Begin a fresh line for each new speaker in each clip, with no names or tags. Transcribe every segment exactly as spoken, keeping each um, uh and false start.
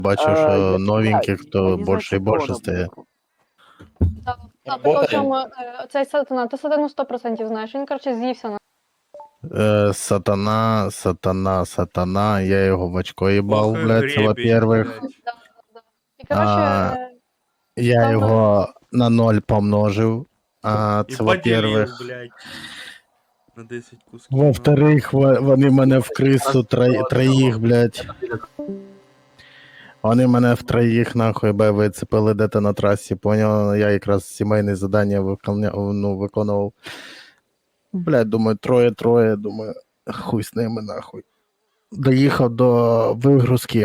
Бачу,
Е,
що
я-
новеньких,
я
то
не
більше і
знаю,
більше
чого
стає.
вона
Так, а
Работає.
при цьому е, цей сатана, ти сатану сто відсотків знаєш, він, коротше, з'ївся на.
Е, сатана, сатана, сатана, я його в очко їбав,
Ох, і
блядь, це
гребень,
во-первых.
блядь.
Да, да, да. І, коротше,
А,
е,
Я
Там-
його на ноль помножив. А,
І
це
поділив,
во-первых.
блядь. На десять кусків.
Во-вторых, во- вони мене в крису тро- троїх, блядь. Вони мене в троїх, нахуй, бе, вицепили де-то на трасі, поняв? Я якраз сімейне завдання виконяв, ну, виконував. Блядь, думаю, троє-троє, думаю, хуй з ними, нахуй. Доїхав до вигрузки.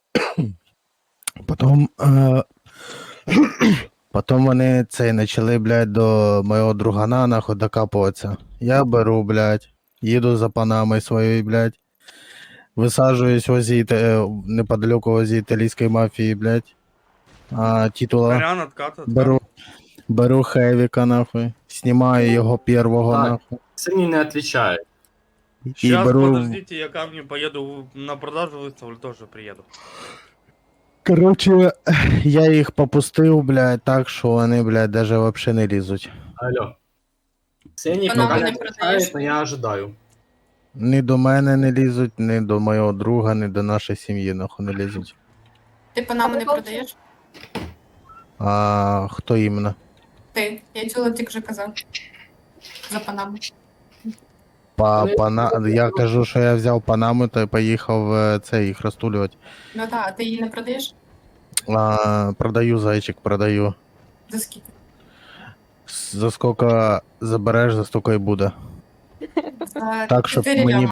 Потім, е... Потім вони цей почали, блядь, до мого другана, нахуй, докапуватися. Я беру, блядь, їду за панами своєю, блядь. Висаджуюсь возле, іта- неподалеку возле італійської мафії, блядь. А, титула.
Варіант откат, откат.
Беру, беру Хевіка, нахуй. Знімаю його первого,
Так.
нахуй.
Сині не отличают.
І
Сейчас,
беру.
подождите, я камни поеду на продажу выставлю, тоже приеду.
Короче, я їх попустив, блядь, так, що вони, блядь, даже вообще не лізуть.
Алло. Сині
Вона
пока не
мене продаєш?
отличают, но я ожидаю.
Ні до мене не лізуть, ні до мого друга, ні до нашої сім'ї, нахуй не лізуть.
Ти панаму не продаєш?
А хто іменно?
Ти. Я чула, тільки вже казав. За панаму.
Па,
Вони-
пана... Я кажу, що я взяв панаму та й поїхав е, це їх розтулювати.
Ну так, а ти її не продаєш?
А, продаю, зайчик, продаю.
За скільки?
За скільки забереш, за стільки і буде.
За
Так, щоб
чотири
мені
ляма.